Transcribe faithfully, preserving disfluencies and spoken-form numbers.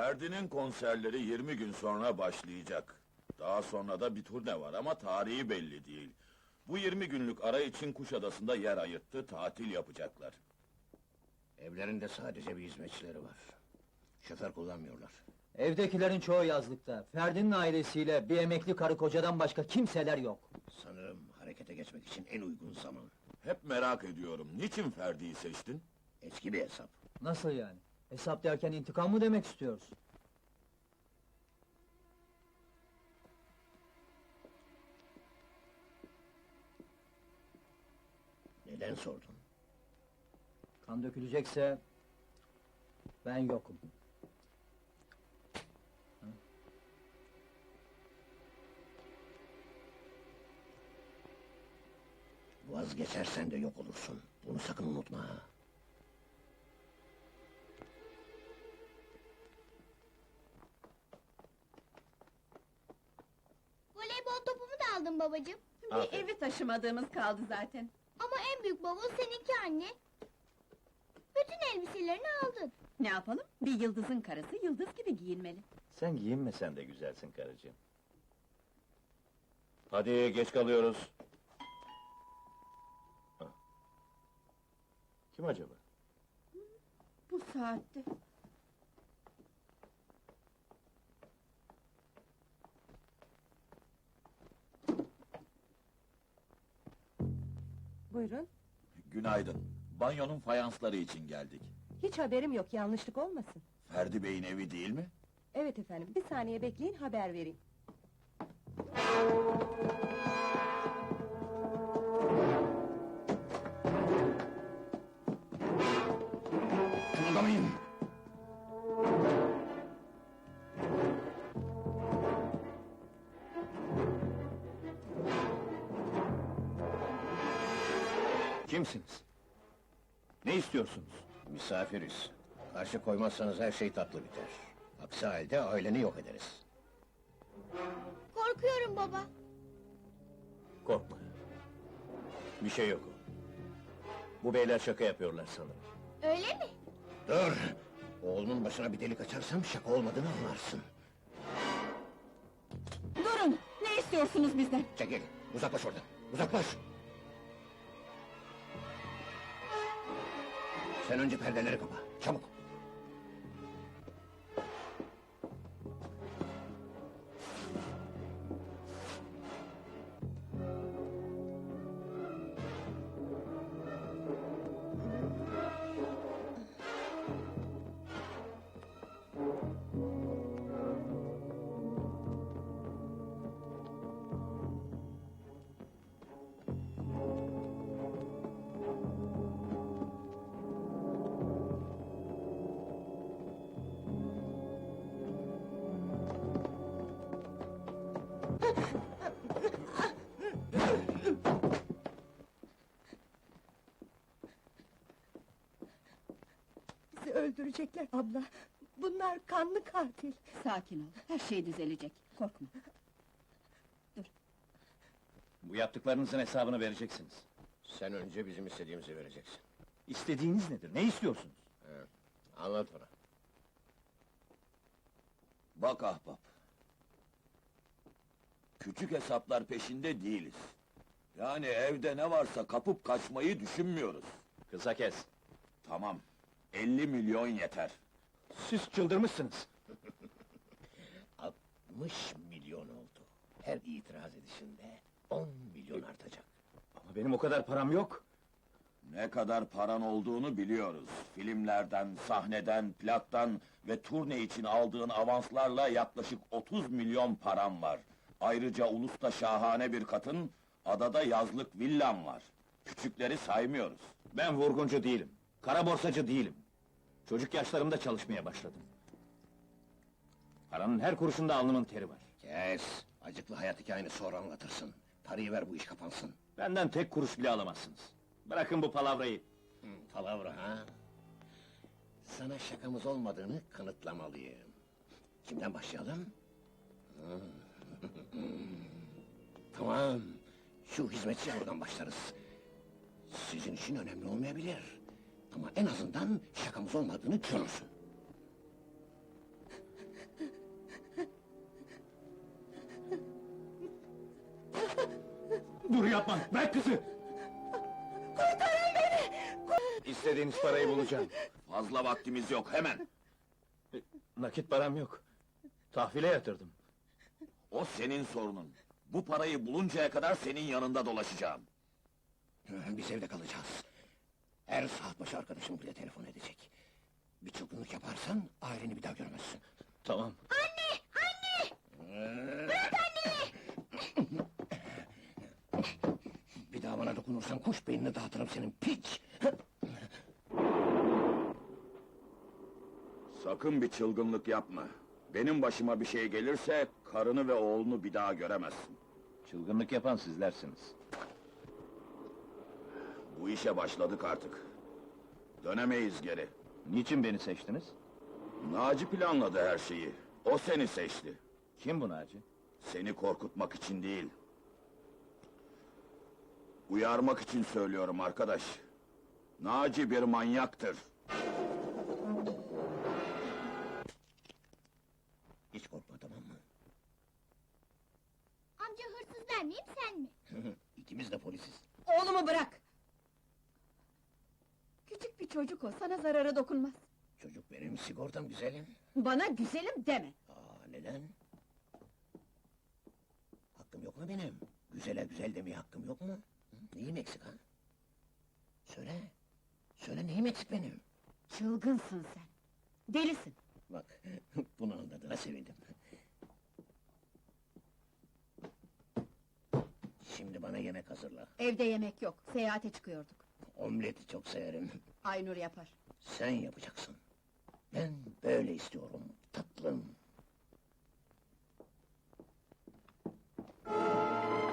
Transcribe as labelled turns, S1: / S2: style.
S1: Ferdi'nin konserleri yirmi gün sonra başlayacak. Daha sonra da bir turne var ama tarihi belli değil. Bu yirmi günlük ara için Kuşadası'nda yer ayırttı, tatil yapacaklar.
S2: Evlerinde sadece bir hizmetçileri var. Şoför kullanmıyorlar.
S3: Evdekilerin çoğu yazlıkta. Ferdi'nin ailesiyle bir emekli karı kocadan başka kimseler yok.
S2: Sanırım harekete geçmek için en uygun zaman.
S1: Hep merak ediyorum, niçin Ferdi'yi seçtin?
S2: Eski bir hesap.
S3: Nasıl yani? Hesap derken intikam mı demek istiyorsun?
S2: Neden sordun?
S3: Kan dökülecekse... ben yokum.
S2: Vazgeçersen de yok olursun. Bunu sakın unutma ha.
S4: Voleybol topumu da aldım babacığım.
S5: Bir
S2: Aferin.
S5: evi taşımadığımız kaldı zaten.
S4: Ama en büyük bavul seninki anne. Bütün elbiselerini aldın.
S5: Ne yapalım? Bir yıldızın karısı yıldız gibi giyinmeli.
S6: Sen giyinmesen de güzelsin karıcığım. Hadi geç kalıyoruz. Ah. Kim acaba?
S5: Bu saatte.
S7: Buyurun.
S1: Günaydın, banyonun fayansları için geldik.
S7: Hiç haberim yok, yanlışlık olmasın.
S1: Ferdi Bey'in evi değil mi?
S7: Evet efendim, bir saniye bekleyin, haber vereyim.
S2: Kımıldamayın!
S6: Kimsiniz? Ne istiyorsunuz?
S2: Misafiriz. Karşı koymazsanız her şey tatlı biter. Aksi halde aileni yok ederiz.
S4: Korkuyorum baba.
S6: Korkma. Bir şey yok. Bu beyler şaka yapıyorlar sanırım.
S4: Öyle mi?
S2: Dur! Oğlunun başına bir delik açarsam şaka olmadığını anlarsın.
S5: Durun! Ne istiyorsunuz bizden?
S2: Çekil! Uzaklaş oradan! Uzaklaş! Sen önce perdeleri kapa, çabuk!
S7: Bizi öldürecekler abla. Bunlar kanlı katil.
S5: Sakin ol, her şey düzelecek. Korkma.
S6: Bu yaptıklarınızın hesabını vereceksiniz.
S2: Sen önce bizim istediğimizi vereceksin.
S6: İstediğiniz nedir? Ne istiyorsunuz?
S2: Anlat bana.
S1: Bak ahbap. Küçük hesaplar peşinde değiliz. Yani evde ne varsa kapıp kaçmayı düşünmüyoruz.
S6: Kısa kes.
S1: Tamam, elli milyon yeter.
S6: Siz çıldırmışsınız.
S2: altmış milyon oldu. Her itiraz edişinde on milyon artacak.
S6: Ama benim o kadar param yok.
S1: Ne kadar paran olduğunu biliyoruz. Filmlerden, sahneden, plaktan ve turne için aldığın avanslarla yaklaşık otuz milyon param var. Ayrıca Ulus'ta şahane bir katın, adada yazlık villam var. Küçükleri saymıyoruz.
S6: Ben vurguncu değilim. Kara borsacı değilim. Çocuk yaşlarımda çalışmaya başladım. Paranın her kuruşunda alnımın teri var.
S2: Kes! Acıklı hayat hikayeni sonra anlatırsın. Parayı ver, bu iş kapansın.
S6: Benden tek kuruş bile alamazsınız. Bırakın bu palavrayı.
S2: Hı, palavra ha? Sana şakamız olmadığını kanıtlamalıyım. Kimden başlayalım? Hı. Tamam, şu hizmetçi oradan başlarız. Sizin için önemli olmayabilir. Ama en azından şakamız olmadığını görürsün.
S6: kızı!
S7: Kurtarın beni!
S6: İstediğiniz parayı bulacağım.
S1: Fazla vaktimiz yok, hemen!
S6: Nakit param yok. Tahvile yatırdım.
S1: O senin sorunun. Bu parayı buluncaya kadar senin yanında dolaşacağım.
S2: Biz evde kalacağız. Her saat başı arkadaşım bile telefon edecek. Bir çılgınlık yaparsan aileni bir daha görmezsin.
S6: Tamam.
S2: Bir daha bana dokunursan kuş beynini dağıtırım senin piç!
S1: Sakın bir çılgınlık yapma. Benim başıma bir şey gelirse, karını ve oğlunu bir daha göremezsin.
S6: Çılgınlık yapan sizlersiniz.
S1: Bu işe başladık artık. Dönemeyiz geri.
S6: Niçin beni seçtiniz?
S1: Naci planladı her şeyi. O seni seçti.
S6: Kim bu Naci?
S1: Seni korkutmak için değil. Uyarmak için söylüyorum arkadaş. Naci bir manyaktır.
S2: Hiç korkma, tamam mı?
S4: Amca hırsız ben miyim sen mi?
S2: İkimiz de polisiz.
S5: Oğlumu bırak! Küçük bir çocuk o, sana zarara dokunmaz.
S2: Çocuk benim sigortam güzelim.
S5: Bana güzelim deme!
S2: Aa, neden? Hakkım yok mu benim? Güzele güzel demeye hakkım yok mu? Hı? Neyim eksik ha? Söyle. Söyle, neyim eksik benim?
S5: Çılgınsın sen! Delisin!
S2: Bak, bunu anladığına sevindim. Şimdi bana yemek hazırla.
S5: Evde yemek yok, seyahate çıkıyorduk.
S2: Omleti çok severim.
S5: Aynur yapar.
S2: Sen yapacaksın. Ben böyle istiyorum, tatlım.